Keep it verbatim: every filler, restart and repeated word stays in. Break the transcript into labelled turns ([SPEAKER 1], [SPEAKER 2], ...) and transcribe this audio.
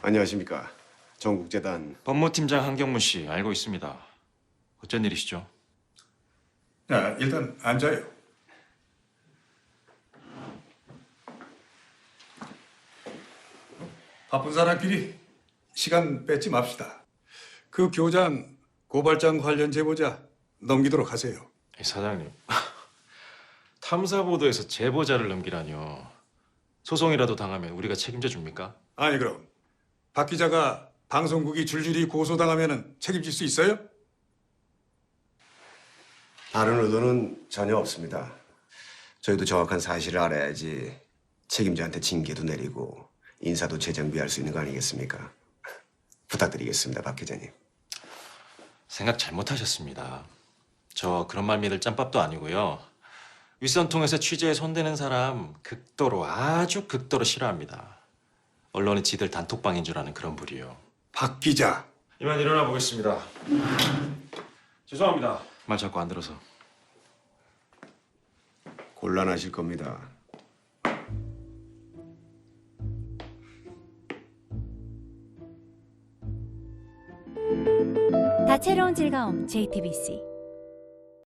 [SPEAKER 1] 안녕하십니까. 전국재단
[SPEAKER 2] 법무팀장 한경문 씨 알고 있습니다. 어쩐 일이시죠?
[SPEAKER 3] 자, 일단 앉아요. 바쁜 사람끼리 시간 뺏지 맙시다. 그 교장 고발장 관련 제보자 넘기도록 하세요.
[SPEAKER 2] 이 사장님, 탐사보도에서 제보자를 넘기라뇨. 소송이라도 당하면 우리가 책임져 줍니까?
[SPEAKER 3] 아니 그럼 박 기자가 방송국이 줄줄이 고소당하면 책임질 수 있어요?
[SPEAKER 1] 다른 의도는 전혀 없습니다. 저희도 정확한 사실을 알아야지 책임자한테 징계도 내리고 인사도 재정비할 수 있는 거 아니겠습니까? 부탁드리겠습니다, 박 기자님.
[SPEAKER 2] 생각 잘못하셨습니다. 저 그런 말 믿을 짬밥도 아니고요. 윗선 통해서 취재에 손대는 사람 극도로 아주 극도로 싫어합니다. 언론은 지들 단톡방인 줄 아는 그런 부류요.
[SPEAKER 3] 박 기자.
[SPEAKER 2] 이만 일어나 보겠습니다. 죄송합니다. 말 자꾸 안 들어서.
[SPEAKER 1] 곤란하실 겁니다.
[SPEAKER 4] 다채로운 즐거움 제이티비씨